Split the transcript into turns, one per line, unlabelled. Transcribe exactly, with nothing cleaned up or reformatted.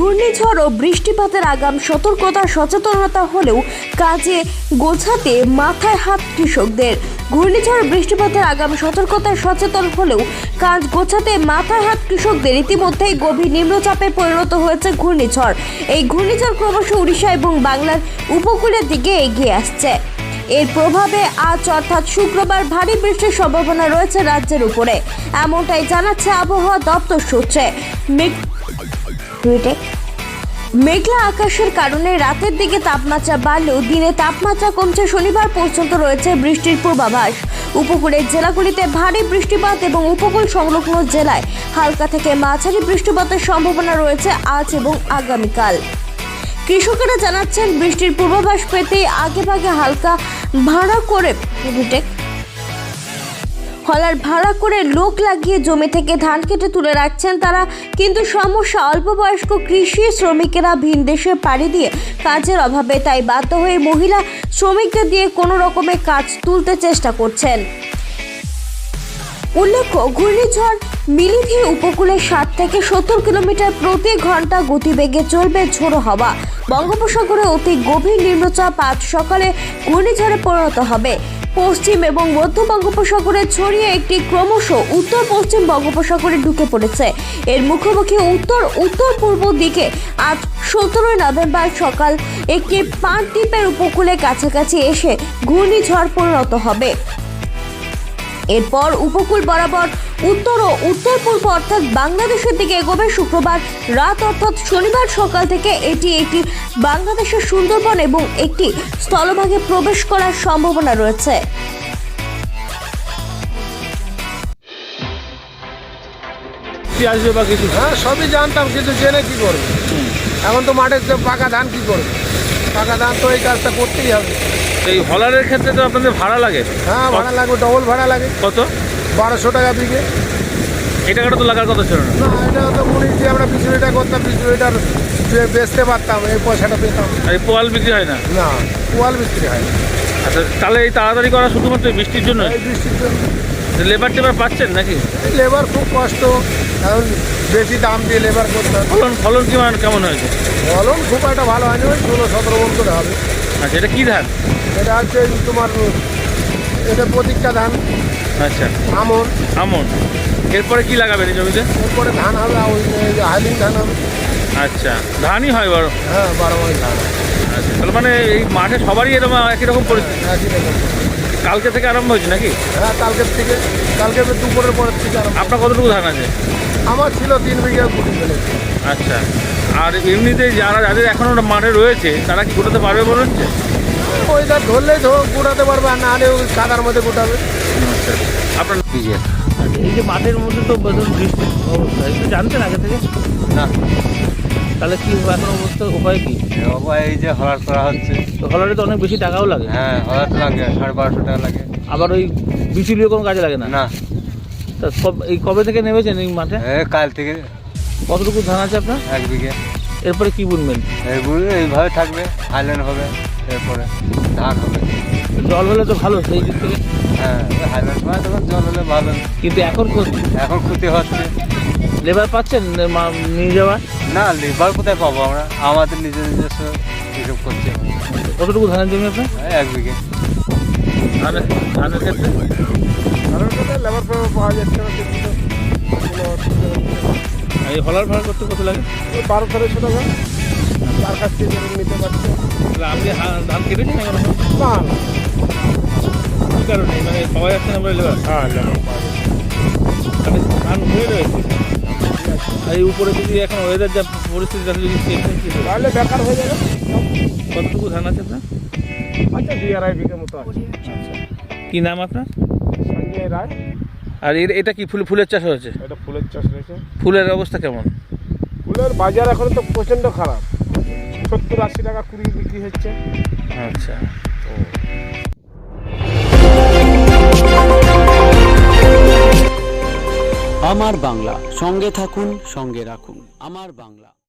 ঘূর্ণিঝড় ও বৃষ্টিপাতের আগাম সতর্কতা সচেতনতা হলেও কাজে গোছাতে মাথায় হাত কৃষকদের। ঘূর্ণিঝড় বৃষ্টিপাতের আগাম সতর্কতায় সচেতন হলেও কাজ গোছাতে মাথায় হাত কৃষকদের। ইতিমধ্যেই গভীর নিম্নচাপে পরিণত হয়েছে ঘূর্ণিঝড়। এই ঘূর্ণিঝড় ক্রমশ উড়িষ্যা এবং বাংলার উপকূলের দিকে এগিয়ে আসছে। এর প্রভাবে আজ অর্থাৎ শুক্রবার ভারী বৃষ্টির সম্ভাবনা রয়েছে রাজ্যের উপরে, এমনটাই জানাচ্ছে আবহাওয়া দপ্তর সূত্রে। মেঘলা আকাশের কারণে রাতের দিকে তাপমাত্রা বাড়লেও দিনে তাপমাত্রা কমছে। শনিবার পর্যন্ত রয়েছে বৃষ্টির পূর্বাভাস। উপকূলের জেলাগুলিতে ভারী বৃষ্টিপাত এবং উপকূল সংলগ্ন জেলায় হালকা থেকে মাঝারি বৃষ্টিপাতের সম্ভাবনা রয়েছে আজ এবং আগামীকাল। কৃষকেরা জানাচ্ছেন, বৃষ্টির পূর্বাভাস পেতে আগেভাগে হালকা ভাড়া করে হলার ভাড়া করে লোক লাগিয়ে জমি থেকে ধান কেটে তুলে রাখছেন তারা। কিন্তু সমস্যা, অল্প বয়স্ক কৃষি শ্রমিকেরা ভিন দেশে পাড়ি দিয়ে কাজের অভাবে তাই বাধ্য হয়ে মহিলা শ্রমিকদের দিয়ে কোনো রকমে কাজ তুলতে চেষ্টা করছেন। উল্লেখ্য, ঘূর্ণিঝড় মিলিধি উপকূলে ষাট থেকে সত্তর কিলোমিটার প্রতি ঘন্টা গতিবেগে চলবে ঝোড়ো হাওয়া। বঙ্গোপসাগরে অতি গভীর নিম্নচাপ আজ সকালে ঘূর্ণিঝড়ে পরিণত হবে। পশ্চিম এবং মধ্য বঙ্গোপসাগরে ছড়িয়ে একটি ক্রমশ উত্তর পশ্চিম বঙ্গোপসাগরে ঢুকে পড়েছে। এর মুখোমুখি উত্তর উত্তর পূর্ব দিকে আজ সতেরোই নভেম্বর সকাল একটি পানদ্বীপের উপকূলে কাছাকাছি এসে ঘূর্ণিঝড় পরিণত হবে। এরপর উপকূল বরাবর উত্তর ও উত্তর পূর্ব অর্থাৎ বাংলাদেশের দিকে এগোবে। শুক্রবার রাত অর্থাৎ শনিবার সকাল থেকে এটি একটি বাংলাদেশের সুন্দরবন এবং একটি স্থলভাগে প্রবেশ করার সম্ভাবনা রয়েছে।
হ্যাঁ, সবই জানতাম, কিন্তু জেনে কি করবে? এখন তো মাঠে পাকা ধান কি করবে? পাকা ধান তো এই কাজটা করতেই হবে।
এই হলারের ক্ষেত্রে তো আপনাদের ভাড়া লাগে?
হ্যাঁ, ভাড়া লাগবে, ডবল ভাড়া লাগে।
কত?
বারোশো টাকা বিঘে।
এই টাকাটা তো লাগার কথা ছিল না।
না, এটা তো মনে যে আমরা বিচুলিটা করতাম, বিচুলিটার বেচতে পারতাম, এই পয়সাটা পেতাম।
এই পোয়াল বিক্রি হয় না?
না, পোয়াল বিক্রি হয় না।
আচ্ছা, তাহলে এই তাড়াতাড়ি করা শুধুমাত্র বৃষ্টির জন্য?
এই বৃষ্টির জন্য।
লেবার টেবার পাচ্ছেন নাকি?
লেবার খুব কষ্ট, এখন বেশি দাম দিয়ে লেবার করতে হবে।
ফলন ফলন কি মানে কেমন হয়েছে?
ফলন খুব একটা ভালো হয়নি, ওই ষোলো সতেরো মন করে হবে।
আচ্ছা, এটা কী ধান?
এটা হচ্ছে তোমার, এটা প্রতীকটা ধান।
আচ্ছা,
আমন।
আমন। এরপরে কি লাগাবেন এই জমিতে?
এরপরে ধান হবে, ওই হাইলিং ধান হবে।
আচ্ছা, ধানই হয় বড়?
হ্যাঁ, বারো মাস ধান।
আচ্ছা, তাহলে মানে এই মাঠে সবারই এরকম একই রকম পরিস্থিতি?
একই রকম।
কালকে থেকে আরম্ভ হয়েছে নাকি?
হ্যাঁ, কালকের থেকে, কালকে দুপুরের পরের থেকে আরম্ভ।
আপনার কতটুকু ধান আছে?
আমার ছিল তিন বিঘা গুটি ফেলেছে।
আচ্ছা, আর এমনিতে যারা যাদের এখনও মাঠে রয়েছে তারা কি গোটাতে পারবে মনে হচ্ছে?
ওই ধান ধরলেই গোটাতে পারবে, আর না হলে ওই কাদার মধ্যে গোটাবে।
আচ্ছা, আপনার এই যে মাঠের মধ্যে তো বৃষ্টির অবস্থা, একটু জানতেন আগে থেকে?
না।
তাহলে কি এখন অবস্থা, উপায় কি?
উপায় এই যে হলার করা হচ্ছে।
তো হলারে তো অনেক বেশি টাকাও লাগে।
হ্যাঁ, হলার তো লাগে, সাড়ে বারোশো টাকা লাগে।
আবার ওই বিচুলিও কোনো কাজে লাগে না?
না।
তা সব এই কবে থেকে নেমেছেন এই মাঠে?
এই কাল থেকে।
কতটুকু ধান আছে আপনার?
এক বিঘে।
এরপরে কি বুনবেন?
এইগুলো এইভাবে থাকবে, হাইল্যান্ড হবে, এরপরে ধান হবে।
জল হলে তো ভালো সেই দিক থেকে।
হ্যাঁ, হাইল্যান্ড সময় তখন জল হলে ভালো,
কিন্তু এখন
এখন ক্ষতি হচ্ছে।
লেবার পাচ্ছেন মা- নিয়ে যাওয়ার?
না, লেবার কোথায় পাবো আমরা? আমাদের নিজের নিজস্ব হিসেব করছে।
কতটুকু ধানের জমি আপনার?
এই এক বিঘে।
ধানের ধানের ক্ষেত্রে
কারণ কোথায় লেবার ফেবার পাওয়া যাচ্ছে না, কিন্তু কোনো অসুবিধা হচ্ছে না।
আর এই হলার ভাড়া করতে কত লাগে?
ওই বারো তেরোশো টাকা তার কাছ থেকে নিতে পারছে।
তাহলে আপনি হা- ধান কেটেছেন এখন?
না না,
কী কারণে মানে পাওয়া যাচ্ছে না বলে লেবার?
হ্যাঁ, লেবার পাওয়া যাচ্ছে।
তাহলে ধান হয়ে রয়েছে। আর এই উপরে যদি এখন ওয়েদার যা পরিস্থিতি, তাহলে যদি টেনশন কী হবে?
তাহলে বেকার হয়ে যাবে।
কতটুকু ধান আছে আপনার?
আচ্ছা, দুই আড়াই বিঘে মতো আছে।
কী নাম আপনার?
সঞ্জয় রায়।
আর এর এটা কি ফুল ফুলের চাষ হয়েছে?
এটা ফুলের চাষ রয়েছে।
ফুলের অবস্থা কেমন?
ফুলের বাজার এখন তো প্রচণ্ড খারাপ, সত্তর আশি টাকা কুড়ি বিক্রি হচ্ছে।
আচ্ছা।
আমার বাংলা, সঙ্গে থাকুন, সঙ্গে রাখুন। আমার বাংলা।